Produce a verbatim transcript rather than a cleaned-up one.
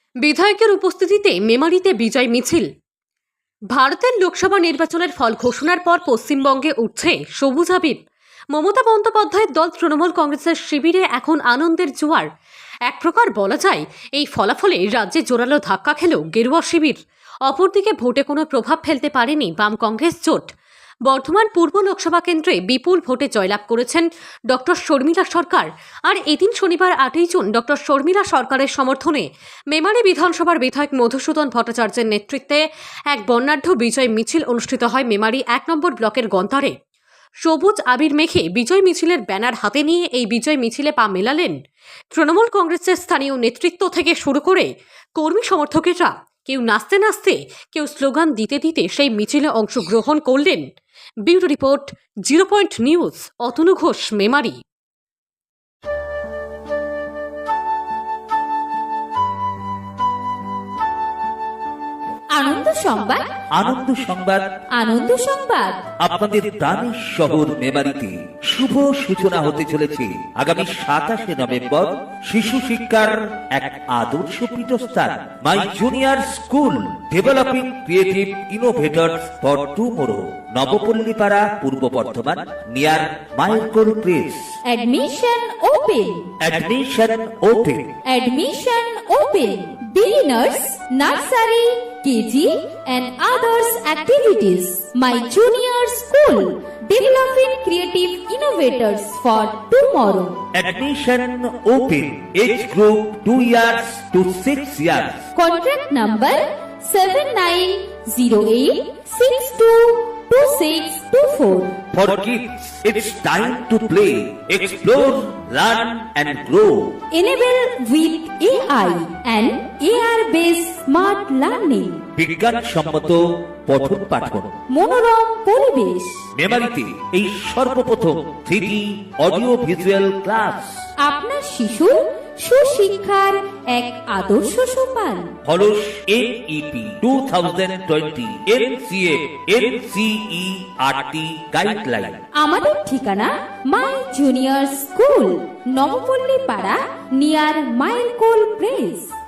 বিধায়কের উপস্থিতিতে মেমারিতে বিজয় মিছিল। ভারতের লোকসভা নির্বাচনের ফল ঘোষণার পর পশ্চিমবঙ্গে উঠছে সবুজ আবির। মমতা বন্দ্যোপাধ্যায়ের দল তৃণমূল কংগ্রেসের শিবিরে এখন আনন্দের জোয়ার। এক প্রকার বলা যায় এই ফলাফলে রাজ্যে জোরালো ধাক্কা খেল গেরুয়া শিবির। অপরদিকে ভোটে কোনো প্রভাব ফেলতে পারেনি বাম কংগ্রেস জোট। বর্ধমান পূর্ব লোকসভা কেন্দ্রে বিপুল ভোটে জয়লাভ করেছেন ডক্টর শর্মিলা সরকার। আর এদিন শনিবার আটই জুন ডক্টর শর্মিলা সরকারের সমর্থনে মেমারি বিধানসভার বিধায়ক মধুসূদন ভট্টাচার্যের নেতৃত্বে এক বর্ণাঢ্য বিজয় মিছিল অনুষ্ঠিত হয় মেমারি এক নম্বর ব্লকের গন্তারে। সবুজ আবির মেখে বিজয় মিছিলের ব্যানার হাতে নিয়ে এই বিজয় মিছিলে পা মেলালেন তৃণমূল কংগ্রেসের স্থানীয় নেতৃত্ব থেকে শুরু করে কর্মী সমর্থকেরা। কেউ নাচতে নাচতে, কেউ স্লোগান দিতে দিতে সেই মিছিলে অংশগ্রহণ করলেন। Bureau report, zero point news, Atanu Ghosh, Memari. Ananda Sangbad, Ananda Sangbad, Ananda সংবাদ। আপনাদের প্রাণের শহর মেমারিতে শুভ সূচনা হতে চলেছে আগামী সাতাশে নভেম্বর শিশু শিক্ষার এক আদর্শ পীঠস্থান my junior school developing creative innovators for tomorrow, Nabapallipara, Purba Bardhaman, near মাইলকোল press. Admission open. Admission open. Admission open. Beginners, nursery, K G and others activities. My junior school, developing creative innovators for tomorrow. Admission open. Age group two years to six years. Contract number seven nine zero eight six two two six two four. For kids, it's time to play, explore, learn and grow. Enable with A I and A R-based smart learning. বিজ্ঞান সম্মত পঠন পাঠন। মনোরম পরিবেশ। মেমারিতে এই সর্বপ্রথম three D audio visual class. আপনার শিশুর সুশিক্ষার এক আদর্শ সোপান। হলস NEP two thousand twenty NCA NCERT guideline. আমাদের ঠিকানা মাই জুনিয়র স্কুল, নবপল্লী পাড়া, নিয়ার মাইলকোল প্রেস।